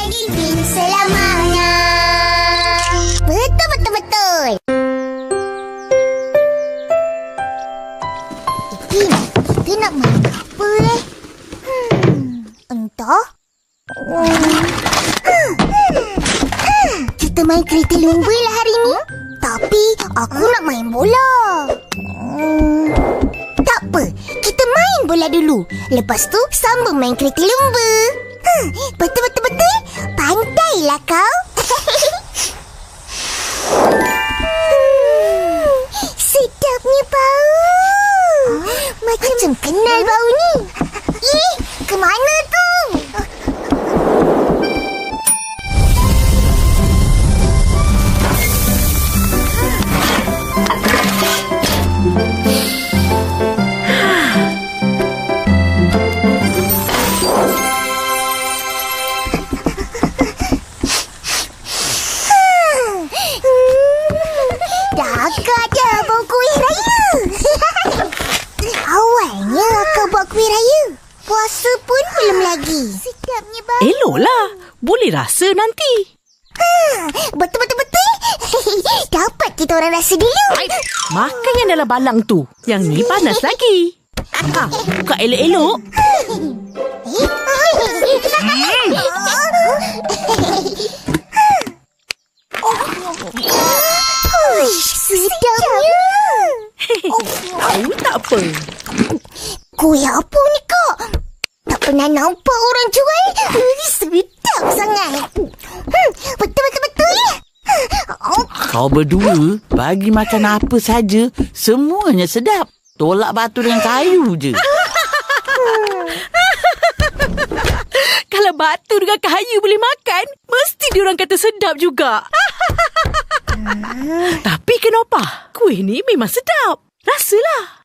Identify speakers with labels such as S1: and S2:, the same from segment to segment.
S1: Ipin selamanya. Betul. Ipin, kita nak main apa Entah. Kita main kereta lumba lah hari ni. Tapi aku nak main bola. Tak apa, kita main bola dulu. Lepas tu sambung main kereta lumba. Betul. Pandailah kau. Sedapnya bau. Macam kenal bau ni. Kemana tu? Puasa pun belum lagi. Sedapnya bau.
S2: Eloklah. Boleh rasa nanti.
S1: Betul. Dapat kita orang rasa dulu.
S2: Makan yang dalam balang tu. Yang ni panas lagi. Buka elok-elok.
S1: Sedapnya.
S2: Tahu tak apa.
S1: Kuih apa ni kak? Tak pernah nampak orang jual. Sedap sangat. Betul.
S3: Kau berdua bagi makan apa saja, semuanya sedap. Tolak batu dengan kayu je.
S2: Kalau batu dengan kayu boleh makan, mesti diorang kata sedap juga. Tapi kenapa? Kuih ni memang sedap. Rasalah.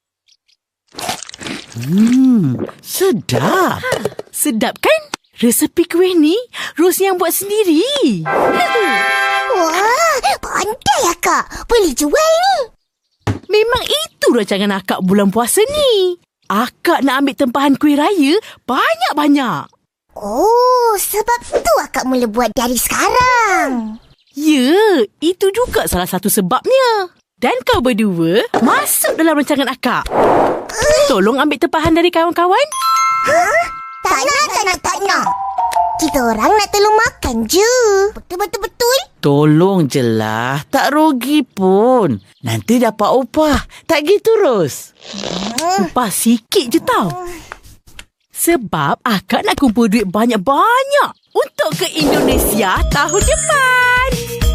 S3: Sedap.
S2: Sedap kan? Resepi kuih ni Ros yang buat sendiri.
S1: Wah, pandai akak. Boleh jual ni.
S2: Memang itu rancangan akak bulan puasa ni. Akak nak ambil tempahan kuih raya banyak-banyak.
S1: Oh, sebab tu akak mula buat dari sekarang.
S2: Ya, itu juga salah satu sebabnya. Dan kau berdua masuk dalam rancangan akak. Tolong ambil tempahan dari kawan-kawan.
S1: Tak nak. Kita orang nak tolong makan je. Betul.
S3: Tolong je lah. Tak rugi pun. Nanti dapat upah. Tak gitu, Ros?
S2: Upah sikit je tau. Sebab akak nak kumpul duit banyak-banyak untuk ke Indonesia tahun depan.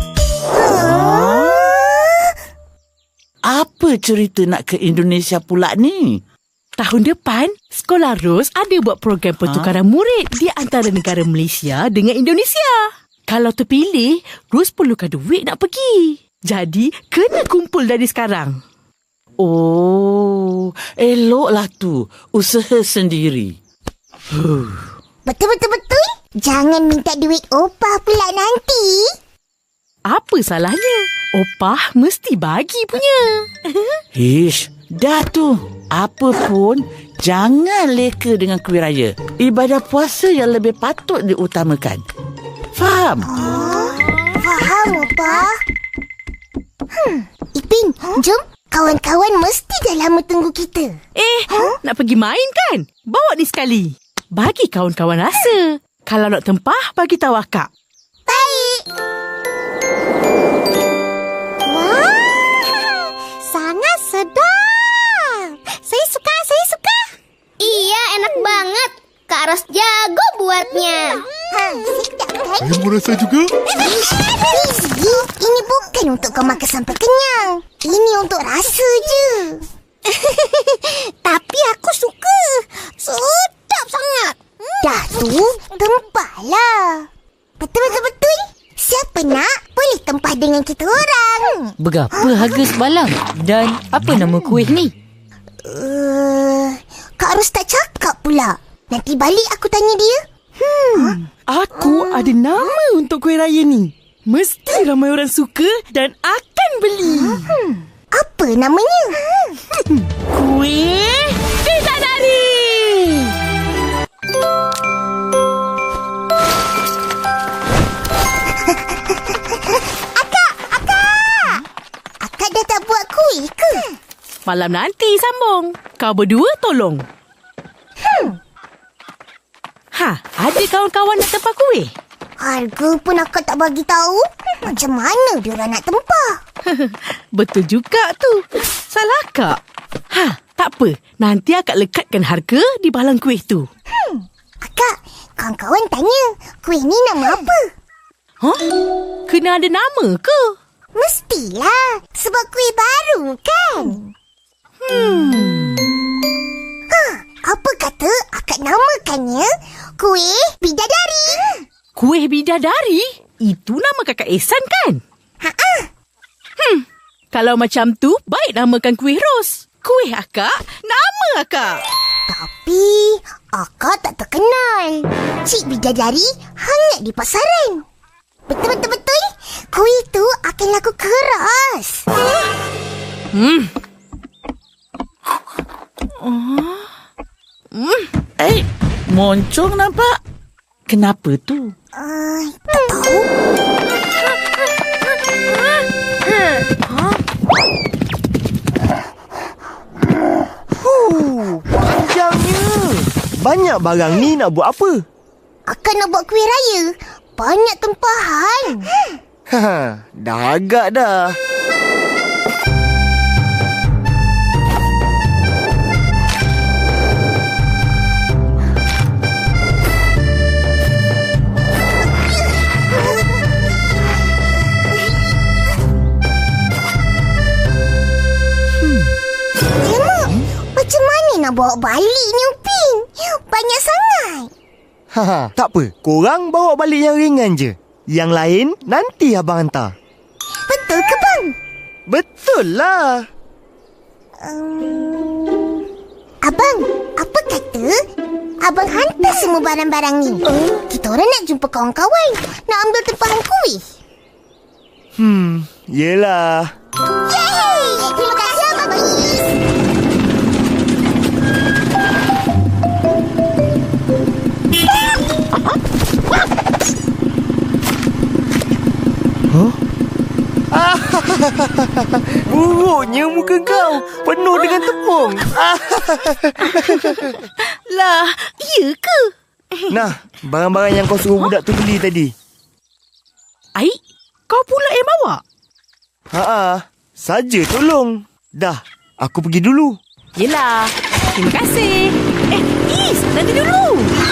S3: Apa cerita nak ke Indonesia pula ni?
S2: Tahun depan, Sekolah Ros ada buat program pertukaran murid di antara negara Malaysia dengan Indonesia. Kalau terpilih, Ros perlukan duit nak pergi. Jadi, kena kumpul dari sekarang.
S3: Oh, eloklah tu. Usaha sendiri.
S1: Betul. Jangan minta duit opah pula nanti.
S2: Apa salahnya? Opah mesti bagi punya.
S3: Ish, dah tu. Apa pun, jangan leka dengan kuih raya. Ibadah puasa yang lebih patut diutamakan. Faham?
S1: Faham, Opah. Ipin, jom. Kawan-kawan mesti dah lama tunggu kita.
S2: Nak pergi main kan? Bawa ni sekali. Bagi kawan-kawan rasa. Kalau nak tempah, bagi tahu akak.
S1: Baik. Wah, sangat sedap. Saya suka.
S4: Iya, enak banget. Kak Ros jago buatnya.
S1: Sedap kan?
S5: Saya mau rasa juga.
S1: Ini bukan untuk kau makan sampai kenyang. Ini untuk rasa je. Tapi aku suka. Sedap sangat. Dah tu, tempahlah. Betul. Siapa nak, boleh tempah dengan kita orang.
S6: Berapa harga sebalang? Dan apa nama kuih ni?
S1: Kak Ros tak cakap pula. Nanti balik aku tanya dia.
S2: Aku ada nama untuk kuih raya ni. Mesti ramai orang suka dan akan beli.
S1: Apa namanya?
S2: Kuih Bidadari. Malam nanti sambung. Kau berdua tolong. Ada kawan-kawan nak tempah kuih?
S1: Harga pun akak tak bagi tahu. Macam mana diorang nak tempah?
S2: Betul juga tu. Salah akak. Tak apa. Nanti akak lekatkan harga di balang kuih tu.
S1: Akak, kawan-kawan tanya, kuih ni nama apa?
S2: Kena ada nama ke?
S1: Mestilah, sebab kuih baru kan? Apa kata akak namakannya kuih bidadari?
S2: Kuih bidadari? Itu nama kakak Ehsan kan? Kalau macam tu, baik namakan kuih ros. Kuih akak, nama akak.
S1: Tapi, akak tak terkenal. Cik Bidadari hangat di pasaran. Betul-betul, kuih tu akan laku keras.
S3: Moncong nampak. Kenapa tu?
S1: Tak tahu.
S5: Panjangnya. Banyak barang ni nak buat apa?
S1: Akak nak buat kuih raya. Banyak tempahan.
S5: Dah agak dah.
S1: Macam mana nak bawa balik ni Upin? Banyak sangat.
S5: Tak apa. Korang bawa balik yang ringan je. Yang lain nanti abang hantar.
S1: Betul ke bang?
S5: Betul lah.
S1: Abang, apa kata abang hantar semua barang-barang ni? Kita orang nak jumpa kawan-kawan. Nak ambil tempahan kuih.
S5: Yelah.
S1: Yeay! Terima kasih Abang Is.
S5: Buruknya muka kau. Penuh dengan tepung.
S2: Lah, iya ke?
S5: Nah, barang-barang yang kau suruh budak tu beli tadi.
S2: Aik, kau pula yang bawa?
S5: Saja tolong. Dah, aku pergi dulu.
S2: Yelah, terima kasih. Is, nanti dulu.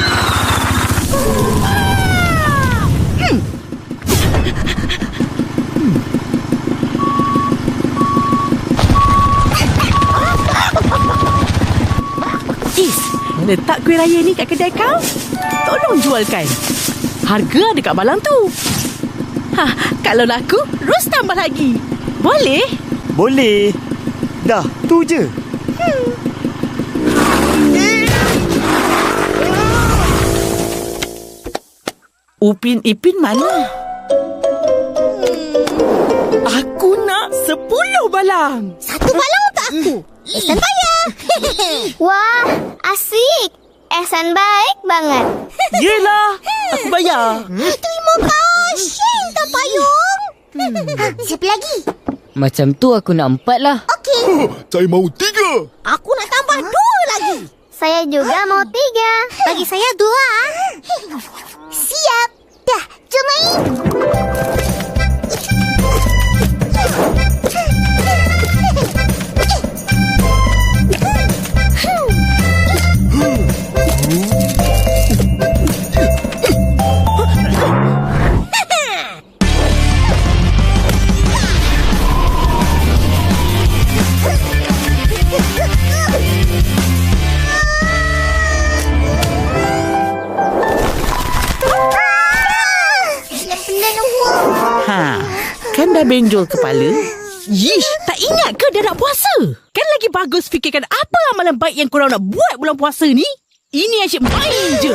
S2: Is, letak kuih raya ni kat kedai kau. Tolong jualkan. Harga ada kat balang tu. Kalau laku, Ros tambah lagi. Boleh?
S5: Boleh. Dah, tu je.
S3: Upin Ipin mana?
S2: Aku nak 10 balang.
S1: Satu balang untuk aku. Ehsan bayar.
S4: Wah, asik. Ehsan baik banget.
S3: Yelah, aku bayar.
S1: Terima kasih, tak payung. Siapa lagi?
S6: Macam tu aku nak 4 lah.
S1: Okey.
S7: Saya mahu 3.
S1: Aku nak tambah 2 lagi.
S4: Saya juga mau 3.
S1: Bagi saya 2. Siap. Dah, jom main.
S3: Kan dah benjol kepala.
S2: Yish, tak ingat ke dah nak puasa? Kan lagi bagus fikirkan apa amalan baik yang korang nak buat bulan puasa ni? Ini asyik main je.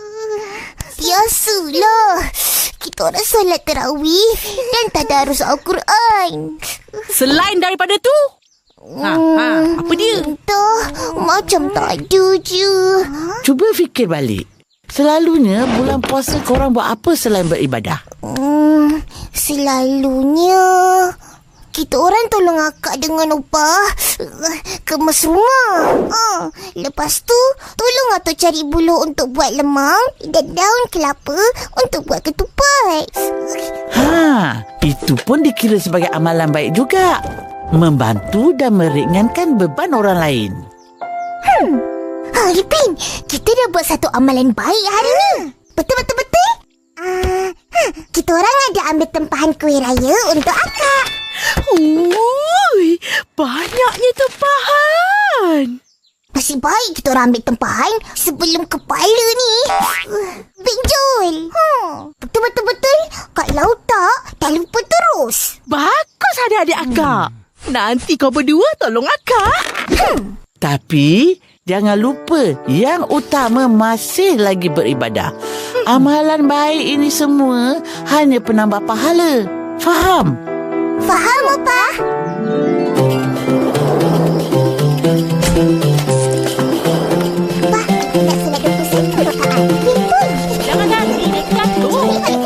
S1: Biasalah. Kita orang solat tarawih dan tadarus Al-Quran.
S2: Selain daripada tu, apa dia?
S1: Entah, macam tak ada je.
S3: Cuba fikir balik. Selalunya bulan puasa korang buat apa selain beribadah?
S1: Selalunya kita orang tolong akak dengan upah kemas rumah. Lepas tu, tolong atuk cari buluh untuk buat lemang dan daun kelapa untuk buat ketupat.
S3: Itu pun dikira sebagai amalan baik juga. Membantu dan meringankan beban orang lain.
S1: Ipin, kita dah buat satu amalan baik hari ni. Betul? Kita orang ada ambil tempahan kuih raya untuk akak.
S2: Banyaknya tempahan.
S1: Nasib baik kita orang ambil tempahan sebelum kepala ni benjol. Betul. Kalau tak lupa terus.
S2: Bagus adik-adik akak. Nanti kau berdua tolong akak.
S3: Tapi jangan lupa yang utama masih lagi beribadah. Amalan baik ini semua hanya penambah pahala. Faham?
S1: Faham, Opah? Opah, nak senat 20 sen untuk Kak Ipin pun.
S2: Jangan nanti jatuh.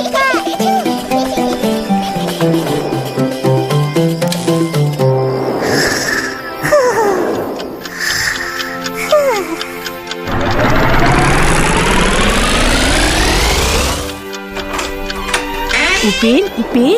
S2: Ipin.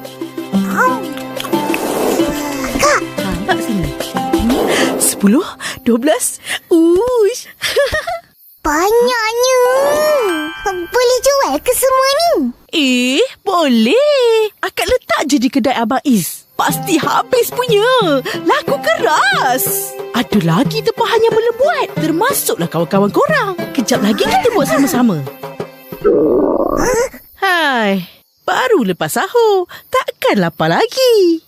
S1: Kak,
S2: Tak sini. 10, 12. Uish.
S1: banyaknya. Boleh jual ke semua ni?
S2: Boleh. Akak letak je di kedai Abang Is. Pasti habis punya. Laku keras. Ada lagi tempahan yang belum buat. Termasuklah kawan-kawan korang. Kejap lagi kita buat sama-sama. Hai. Baru lepas sahur. Takkan lapar lagi.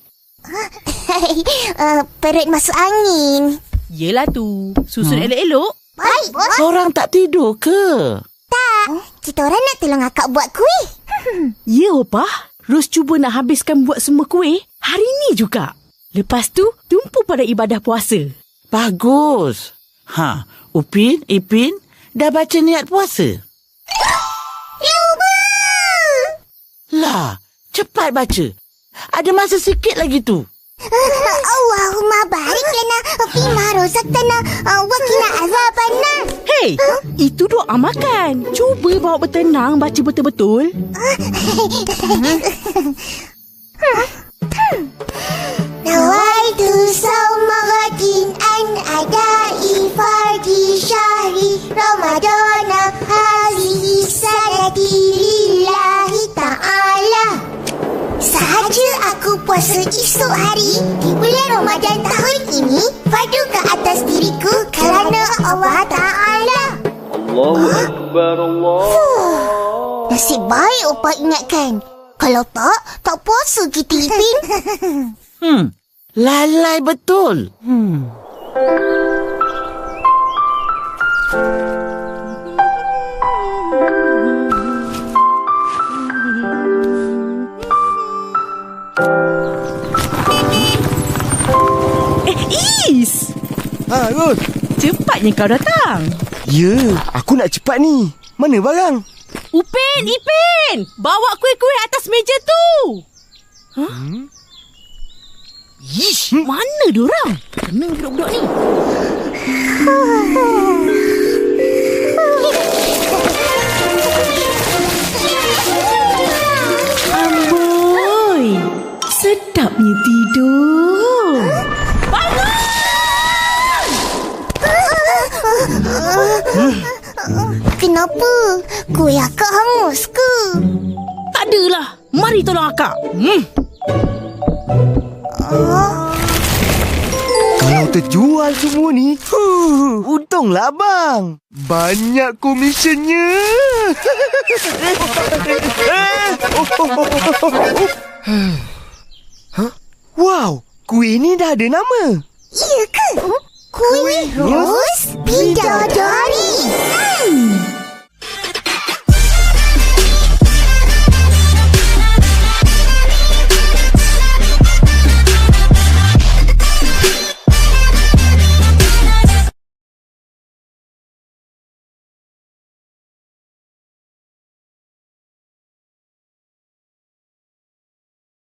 S1: Perut masuk angin.
S2: Yelah tu. Susun elok-elok.
S1: Baik, bos.
S3: Korang tak tidur ke?
S1: Tak. Kita orang nak tolong akak buat kuih.
S2: Ya, Opah. Ros cuba nak habiskan buat semua kuih hari ni juga. Lepas tu, tumpu pada ibadah puasa.
S3: Bagus. Upin, Ipin, dah baca niat puasa? Lah, cepat baca. Ada masa sikit lagi tu.
S1: Allahumma barik lana fima razaqtana wa qina azabannar.
S2: Hei, itu doa makan. Cuba bawa bertenang baca betul-betul.
S1: Nawaitu sawma ghadin an adai fardi syahri Ramadana hazihi sanati lillahi ta'ala. Sahaja aku puasa esok hari di bulan Ramadan tahun ini, fardu ke atas diriku kerana Allah Ta'ala.
S7: Allahu Akbar, Allah.
S1: Nasib baik Opah ingatkan. Kalau tak puasa kita, Ipin.
S3: Lalai betul.
S2: Is!
S5: Ros.
S2: Cepatnya kau datang.
S5: Ya, aku nak cepat ni. Mana barang?
S2: Upin, Ipin! Bawa kuih-kuih atas meja tu! Ish, mana diorang? Kena budak-budak ni. Amboi, sedapnya tidur.
S1: Kenapa? Kuih akak hangus ke?
S2: Tak adalah. Mari tolong akak.
S5: Kalau terjual semua ni, untunglah abang. Banyak komisionnya. Wow, kuih ni dah ada nama.
S1: Ya ke? Kuih Ros Bidadari.